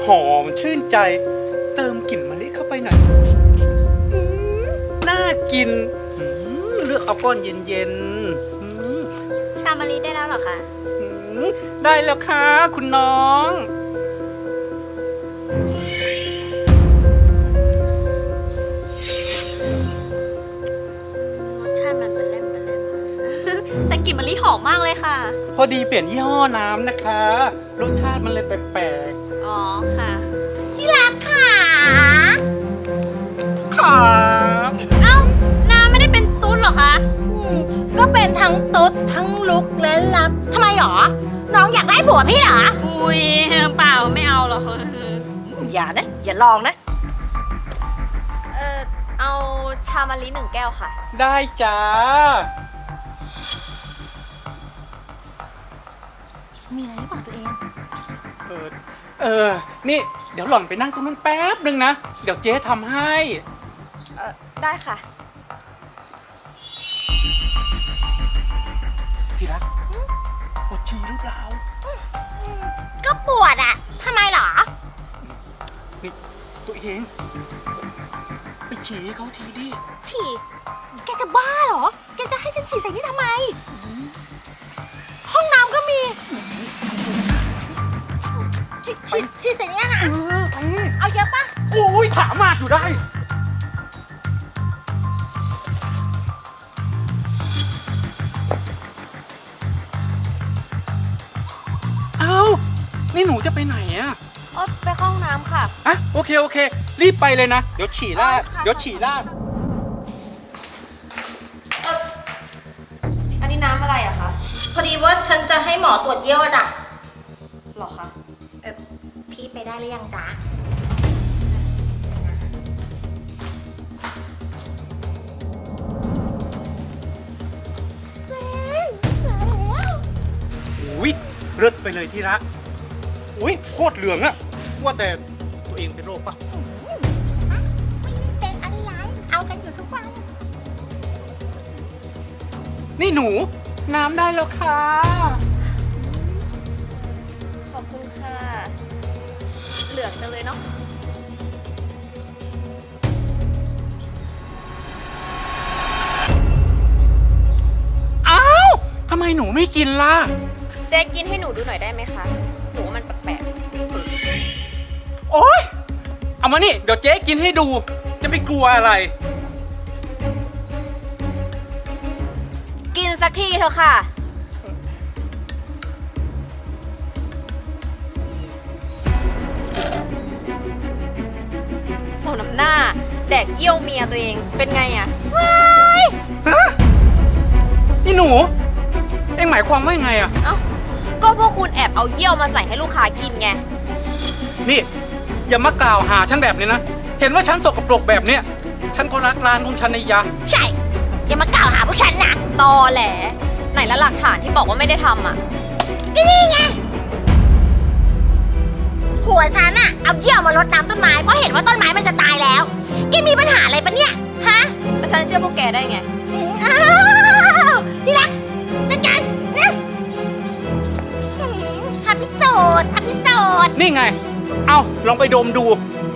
หอมชื่นใจเติมกลิ่นมะลิเข้าไปหน่อยน่ากินเลือกเอาก้อนเย็นชามะลิได้แล้วเหรอคะได้แล้วค่ะคุณน้องรสชาติมันเป็นเล่มแต่กลิ่นมะลิหอมมากเลยค่ะพอดีเปลี่ยนยี่ห้อน้ำนะคะรสชาติมันเลยแปลกๆอ๋อค่ะที่รักค่ะค่ะเอ้าน้ำไม่ได้เป็นตุ๊ดเหรอคะก็เป็นทั้งตุ๊ดทั้งลุกและลับทำไมหรอน้องอยากได้ผัวพี่เหรออุ้ยเปล่าไม่เอาหรอกอย่านะอย่าลองนะเอาชามะลิ1 แก้วค่ะได้จ้ามีอะไรหรือเปล่าตัวเองนี่เดี๋ยวหล่อนไปนั่งตรงนั้นแป๊บนึงนะเดี๋ยวเจ๊ทำให้ได้ค่ะพี่รักปวดฉี่หรือเปล่าก็ปวดอ่ะทำไมหรอนี่ตัวเองไปฉี่ให้เขาทีดิฉี่แกจะบ้าเหรอแกจะให้ฉันฉี่ใส่นี่ทำไมห้องน้ำก็มีฉี่ใส่นี่นะเอาเยอะปะโอ้ยถามมากอยู่ได้เอานี่หนูจะไปไหนอะไปเข้าห้องน้ำค่ะโอเครีบไปเลยนะเดี๋ยวฉี่ราดอันนี้น้ำอะไรอะคะพอดีว่าฉันจะให้หมอตรวจเยี่ยวอะจ้ะหรอคะพี่ไปได้หรือยังจ๊ะอุ้ยเลิศไปเลยที่รักอุ้ยโคตรเหลืองอะว่าแต่ตัวเองเป็นโรคปะเป็นอะไรเอากันอยู่ทุกวันนี่หนูน้ำได้แล้วค่ะขอบคุณค่ะเหลืองจังเลยเนาะอ้าวทำไมหนูไม่กินล่ะเจ๊กินให้หนูดูหน่อยได้ไหมคะหนูว่ามันแปลกๆโอ๊ยเอามานี่เดี๋ยวเจ๊กินให้ดูจะไปกลัวอะไรกินสักทีเถอะค่ะสมน้ำหน้าแดกเยี่ยวเมียตัวเองเป็นไงอะว้ายนี่หนูเอ็งหมายความว่ายังไงอะเอ้าก็พวกคุณแอบเอาเยี่ยวมาใส่ให้ลูกค้ากินไงนี่อย่ามากล่าวหาฉันแบบนี้นะเห็นว่าฉันสกปรกแบบเนี้ยฉันก็รักร้านของฉันในยะใช่อย่ามากล่าวหาพวกฉันนะตอแหลไหนละหลักฐานที่บอกว่าไม่ได้ทำอ่ะก็นี่ไงผัวฉันอะเอาเยี่ยวมารดน้ำต้นไม้เพราะเห็นว่าต้นไม้มันจะตายแล้วแกมีปัญหาอะไรปะเนี่ยฮะแล้วฉันเชื่อพวกแกได้ไงอ้าวที่รักจัดการนะทำพิสูจน์นี่ไงเอาลองไปดมดู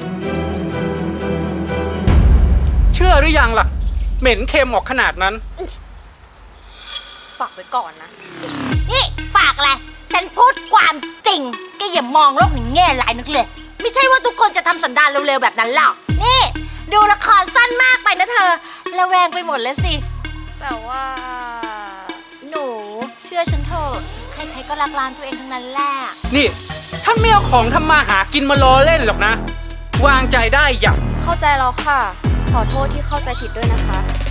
เชื่อหรือยังล่ะเหม็นเค็มออกขนาดนั้นฝากไว้ก่อนนะนี่ฝากอะไรฉันพูดความจริงแกอย่ามองโลกในแง่ร้ายนักเลยไม่ใช่ว่าทุกคนจะทำสันดานเร็วๆแบบนั้นหรอกนี่ดูละครสั้นมากไปนะเธอระแวงไปหมดเลยสิแต่ว่าหนูเชื่อฉันเถอะใครๆก็รักร้านตัวเองทั้งนั้นแหละนี่ฉันไม่เอาของทำมาหากินมาล้อเล่นหรอกนะวางใจได้อย่าเข้าใจแล้วค่ะขอโทษที่เข้าใจผิดด้วยนะคะ